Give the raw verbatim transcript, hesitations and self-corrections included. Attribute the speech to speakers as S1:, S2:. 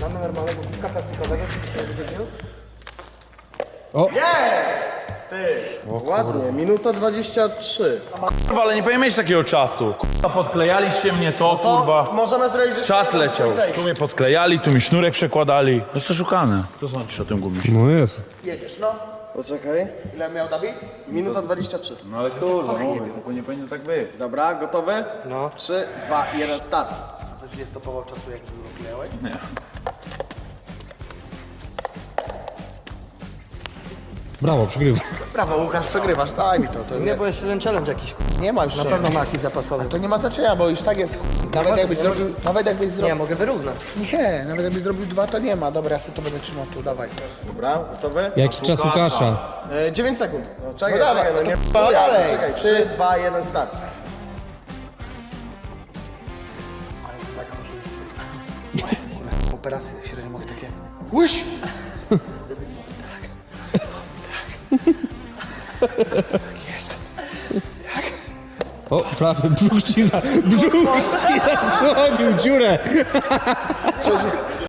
S1: Mamy normalnego piłka plastikowego, czy
S2: O!
S3: Jest! Ty! Ładnie, minuta dwadzieścia trzy.
S4: Kurwa, ale nie powinien mieć takiego czasu. Kurwa, podklejaliście mnie to,
S3: To
S4: kurwa.
S3: możemy zrobić jeszcze
S4: Czas
S3: jedno
S4: leciał.
S3: wejście.
S4: Tu mnie podklejali, tu mi sznurek przekładali. No co szukane? Co sądzisz o tym gumisie?
S2: No jest.
S3: Jedziesz, no. Poczekaj. Ile miał Dawid? Minuta dwadzieścia trzy.
S4: No ale kurwa, mówię, to nie powinno tak być.
S3: Dobra, gotowy?
S1: No.
S3: trzy, dwa, jeden, start. A coś nie stopował czasu, jak wyklejałeś?
S4: Nie.
S2: Brawo, przegrywa.
S3: Brawo, Łukasz, przegrywasz. Daj mi to. to
S1: Nie, bo jeszcze ten challenge jakiś, k***a.
S3: nie ma już
S1: Na
S3: czego.
S1: pewno ma jakiś zapasowy.
S3: To nie ma znaczenia, bo już tak jest. Nawet jakbyś zrobił, nawet jakbyś
S1: Nie,
S3: zrobił...
S1: mogę wyrównać.
S3: Nie, nawet jakbyś zrobił dwa, to nie ma. Dobra, ja sobie to będę trzymał tu, dawaj. Dobra, gotowy?
S2: Jaki czas Łukasza?
S3: E, dziewięć sekund. No, czekaj, no dawaj, czekaj, no nie... dalej. Czekaj, trzy, dwa, jeden, start. Operacje, średnio mogę takie... Łyś! Jest.
S2: O, prawy brzuch ci za... Brzuch ci zasłonił dziurę.
S3: Co, że...